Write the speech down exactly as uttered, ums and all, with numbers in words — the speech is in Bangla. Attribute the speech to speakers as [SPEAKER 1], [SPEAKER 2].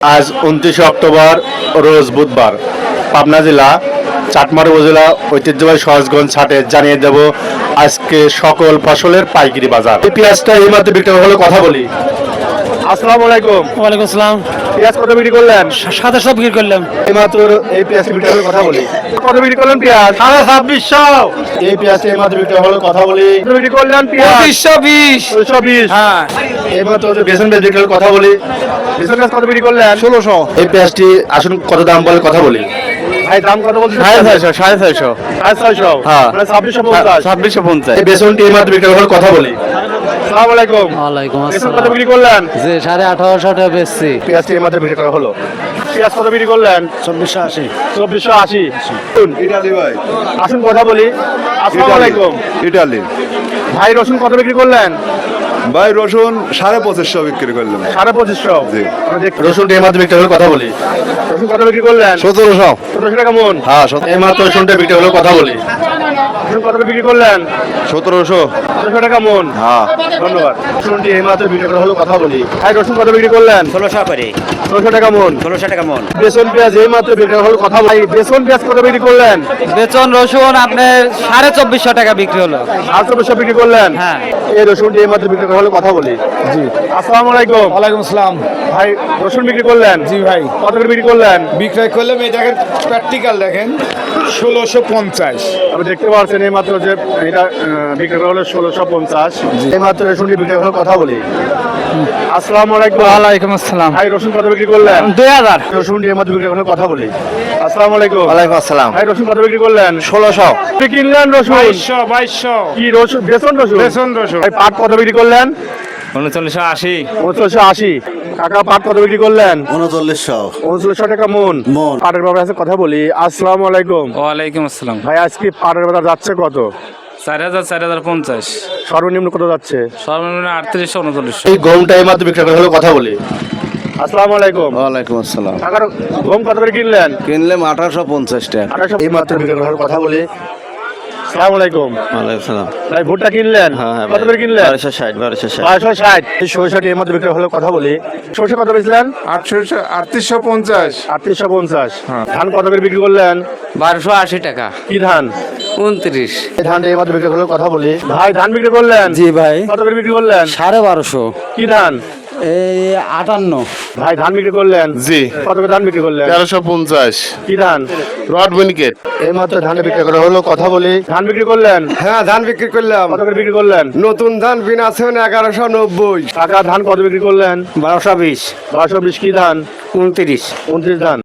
[SPEAKER 1] আজ উনত্রিশে অক্টোবর রোজ বুধবার পাবনা জেলা চাটমার উপজেলা ঐতিহ্যবাহী সহজগঞ্জ হাটে জানিয়ে দেব আজকে সকল ফসলের পাইকারি বাজার। এই পেঁয়াজটা এই মাত্র বিক্রি হলো, কথা বলি। আসসালামু আলাইকুম।
[SPEAKER 2] ওয়ালাইকুম আসসালাম।
[SPEAKER 1] পেঁয়াজ কত বিক্রি করলেন?
[SPEAKER 2] সাতাশশো বিক্রি করলাম।
[SPEAKER 1] এই মাত্র এই পেঁয়াজ বিক্রি হলো, কথা বলি। কত বিক্রি করলেন পেঁয়াজ?
[SPEAKER 2] সাড়ে ছাব্বিশশো।
[SPEAKER 1] এই পেঁয়াজ এই মাত্র বিক্রি হলো, কথা বলি। কত বিক্রি করলেন পেঁয়াজ?
[SPEAKER 2] পঁচিশশো বিশ।
[SPEAKER 1] দুশো বিশ।
[SPEAKER 2] হ্যাঁ।
[SPEAKER 1] এই মাত্র বেসন পেঁয়াজ বিক্রি হলো, কথা বলি। বেসন পেঁয়াজ কত বিক্রি করলেন?
[SPEAKER 2] ষোলোশো।
[SPEAKER 1] এই পেঁয়াজটি আসুন কত দাম বলে কথা বলি। ভাই দাম কত বলছেন?
[SPEAKER 2] সাড়ে ছয়শো। সাড়ে ছয়শো।
[SPEAKER 1] সাড়ে ছয়শো।
[SPEAKER 2] হ্যাঁ।
[SPEAKER 1] মানে ছাব্বিশশো পঞ্চাশ।
[SPEAKER 2] ছাব্বিশশো পঞ্চাশ।
[SPEAKER 1] এই বেসনটি এই মাত্র বিক্রি হলো, কথা বলি। আসসালামু আলাইকুম।
[SPEAKER 3] ওয়ালাইকুম
[SPEAKER 1] বেসন কত
[SPEAKER 3] আসসালাম।
[SPEAKER 1] বিক্রি করলেন?
[SPEAKER 3] যে সাড়ে আঠারোশো টাকা বেচছি।
[SPEAKER 1] পেঁয়াজটি এই মাত্র বিক্রি করা হলো। পেঁয়াজ কত বিক্রি করলেন?
[SPEAKER 3] চব্বিশশো আশি।
[SPEAKER 1] চব্বিশশো আশি।
[SPEAKER 4] ইটালি ভাই,
[SPEAKER 1] আসুন কথা বলি। আসসালামু আলাইকুম।
[SPEAKER 4] ইটালি
[SPEAKER 1] ভাই রসুন কত বিক্রি করলেন?
[SPEAKER 4] ভাই রসুন সাড়ে পঁচিশশো বিক্রি করলাম।
[SPEAKER 1] সাড়ে পঁচিশশো।
[SPEAKER 4] জি।
[SPEAKER 1] রসুনটি এই মাত্র বিক্রি হলো, কথা বলি। রসুন কত বিক্রি করলেন?
[SPEAKER 4] সতেরোশো।
[SPEAKER 1] সতেরোশো টাকা মন।
[SPEAKER 4] হ্যাঁ
[SPEAKER 1] এই মাত্র রসুনটা বিক্রি হলো, কথা বলি। রসুন কত বিক্রি করলেন?
[SPEAKER 4] সতেরোশো।
[SPEAKER 1] সতেরোশো টাকা মন।
[SPEAKER 4] হ্যাঁ
[SPEAKER 1] ধন্যবাদ। রসুনটি এই মাত্র বিক্রি করা হলো, কথা বলি। ভাই রসুন কত বিক্রি করলেন?
[SPEAKER 5] ষোলোশো করে।
[SPEAKER 1] ষোলোশো টাকা মন।
[SPEAKER 5] ষোলোশো টাকা মন।
[SPEAKER 1] বেসন পেঁয়াজ এই মাত্র বিক্রি করা হলো, কথা বলি। বেসন পেঁয়াজ কত বিক্রি করলেন?
[SPEAKER 3] বেতন রসুন আপনার সাড়ে চব্বিশশো টাকা বিক্রি হলো।
[SPEAKER 1] আর চব্বিশশো বিক্রি করলেন?
[SPEAKER 3] হ্যাঁ।
[SPEAKER 1] এই রসুনটি এই মাত্র বিক্রি করা হলো, কথা বলি। জি। আসসালামু আলাইকুম।
[SPEAKER 2] ওয়ালাইকুম আসসালাম।
[SPEAKER 1] ভাই রসুন বিক্রি করলেন?
[SPEAKER 2] জি ভাই,
[SPEAKER 1] কত করে বিক্রি করলেন?
[SPEAKER 2] বিক্রয় করলাম। এই দেখেন প্র্যাকটিক্যাল দেখেন, ষোলোশো পঞ্চাশ।
[SPEAKER 1] আপনি দেখতে পাচ্ছেন এই মাত্র যে এটা আহ, বিক্রি করা হলো ষোলোশো পঞ্চাশ। এই মাত্র রসুনটি বিক্রি করা হলো, কথা বলি। আসসালামু আলাইকুম।
[SPEAKER 3] ওয়ালাইকুম আসসালাম।
[SPEAKER 1] ভাই রসুন কত বিক্রি করলেন?
[SPEAKER 3] দুই হাজার।
[SPEAKER 1] রসুনটি এই মাত্র বিক্রি করা হলো, কথা বলি। আসসালামু আলাইকুম।
[SPEAKER 4] ওয়ালাইকুম আসসালাম।
[SPEAKER 1] ভাই রসুন কত বিক্রি করলেন?
[SPEAKER 4] ষোলোশো।
[SPEAKER 1] আপনি কিনলেন রসুন?
[SPEAKER 2] বাইশশো। বাইশশো।
[SPEAKER 1] কি রসুন? বেসন রসুন?
[SPEAKER 2] বেসন রসুন।
[SPEAKER 1] ভাই পাট কত বিক্রি করলেন?
[SPEAKER 2] উনচল্লিশশো আশি।
[SPEAKER 1] উনচল্লিশশো আশি। কাকা পাট কত বিক্রি করলেন?
[SPEAKER 4] উনচল্লিশশো।
[SPEAKER 1] উনচল্লিশশো টাকা মন।
[SPEAKER 4] মন।
[SPEAKER 1] পাটের বাবার কাছে কথা বলি। আসসালামু আলাইকুম।
[SPEAKER 2] ওয়ালাইকুম আসসালাম।
[SPEAKER 1] ভাই আজকে পাটের বাজার যাচ্ছে কত?
[SPEAKER 2] চার হাজার। চার হাজার পঞ্চাশ।
[SPEAKER 1] সর্বনিম্ন কত যাচ্ছে?
[SPEAKER 2] সর্বনিম্ন আটত্রিশশো উনচল্লিশশো।
[SPEAKER 1] এই গমটা এই মাত্র বিক্রি করা হলো, কথা বলি। আসসালামু আলাইকুম।
[SPEAKER 4] ওয়ালাইকুম আসসালাম।
[SPEAKER 1] কাকার গম কত করে কিনলেন?
[SPEAKER 4] কিনলাম আঠারোশো পঞ্চাশ টাকা।
[SPEAKER 1] আঠারোশো। এই মাত্র বিক্রি করা হলো, কথা বলি। আসসালামু আলাইকুম।
[SPEAKER 4] ওয়ালাইকুম সালাম।
[SPEAKER 1] ভাই ভুট্টা কিনলেন? কত করে কিনলেন?
[SPEAKER 4] বারোশো ষাট। বারোশো ষাট।
[SPEAKER 1] বারোশো ষাট। এই সরষেটি এর মধ্যে বিক্রি হলো, কথা বলি। সরষে কত বেচলেন?
[SPEAKER 2] আটশোশো। আটত্রিশশো পঞ্চাশ।
[SPEAKER 1] আটত্রিশশো পঞ্চাশ। ধান কত করে বিক্রি করলেন?
[SPEAKER 3] বারোশো আশি টাকা।
[SPEAKER 1] কি ধান?
[SPEAKER 3] উনত্রিশ।
[SPEAKER 1] এই ধানটা এই মাত্র বিক্রি হলো, কথা বলি। ভাই ধান বিক্রি করলেন?
[SPEAKER 3] জি ভাই।
[SPEAKER 1] কত করে বিক্রি করলেন?
[SPEAKER 3] সাড়ে বারোশো।
[SPEAKER 1] কি ধান?
[SPEAKER 3] এই আটান্ন।
[SPEAKER 1] ভাই ধান বিক্রি করলেন?
[SPEAKER 4] জি।
[SPEAKER 1] কত করে ধান বিক্রি করলেন?
[SPEAKER 4] তেরোশো পঞ্চাশ।
[SPEAKER 1] কি ধান?
[SPEAKER 4] রড মিনিকেট।
[SPEAKER 1] এই মাত্র ধান বিক্রি করা হলো, কথা বলি। ধান বিক্রি করলেন?
[SPEAKER 4] হ্যাঁ ধান বিক্রি করলাম।
[SPEAKER 1] কত করে বিক্রি করলেন?
[SPEAKER 4] নতুন ধান বিনাছেন এগারোশো নব্বই।
[SPEAKER 1] কাকা ধান কত বিক্রি করলেন?
[SPEAKER 3] বারোশো বিশ।
[SPEAKER 1] বারোশো বিশ। কি ধান?
[SPEAKER 3] উনত্রিশ।
[SPEAKER 1] উনত্রিশ ধান।